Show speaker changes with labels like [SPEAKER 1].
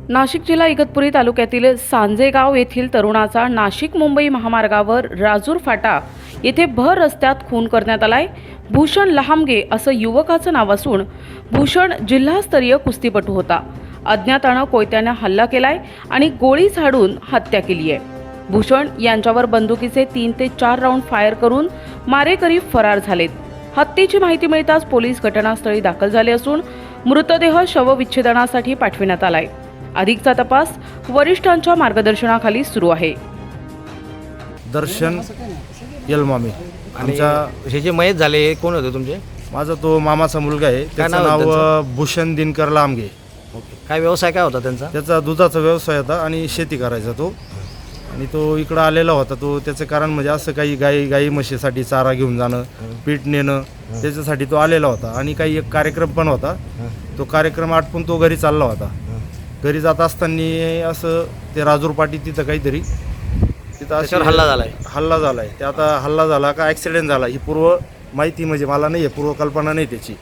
[SPEAKER 1] नाशिक जिल्हा इगतपुरी तालुक्यातील सांजेगाव येथील तरुणाचा नाशिक मुंबई महामार्गावर राजूर फाटा येथे भर रस्त्यात खून करण्यात आलाय। भूषण लहामगे असं युवकाचं नाव असून भूषण जिल्हास्तरीय कुस्तीपटू होता। अज्ञातानं कोयत्याने हल्ला केलाय आणि गोळी झाडून हत्या केली आहे। भूषण यांच्यावर बंदुकीचे 3 ते 4 राऊंड फायर करून मारेकरी फरार झालेत। हत्येची माहिती मिळताच पोलीस घटनास्थळी दाखल झाले असून मृतदेह शवविच्छेदनासाठी पाठविण्यात आलाय। अधिकचा तपास वरिष्ठांच्या मार्गदर्शनाखाली सुरू आहे।
[SPEAKER 2] दर्शन यलमामी आमच्या
[SPEAKER 3] हे जे मयत झाले हे कोण होते तुमचे?
[SPEAKER 2] माझा तो मामाचा मुलगा आहे। त्याचं
[SPEAKER 3] नाव आहे
[SPEAKER 2] नाव भूषण दिनकर लामगे।
[SPEAKER 3] काय व्यवसाय काय होता त्यांचा?
[SPEAKER 2] त्याचा दुधाचा व्यवसाय होता आणि शेती करायचा तो। आणि तो इकडं आलेला होता। तो त्याचं कारण म्हणजे असं काही गाई म्हशीसाठी चारा घेऊन जाणं, पीठ नेणं, त्याच्यासाठी तो आलेला होता। आणि काही एक कार्यक्रम पण होता। तो कार्यक्रम आटपून तो घरी चालला होता। घरी जात असताना असं ते राजूर पाटी तिथं काहीतरी तिथं हल्ला झालाय। ते आता हल्ला झाला का ॲक्सिडेंट झाला ही पूर्व माहिती म्हणजे मला नाही आहे, पूर्व कल्पना नाही त्याची।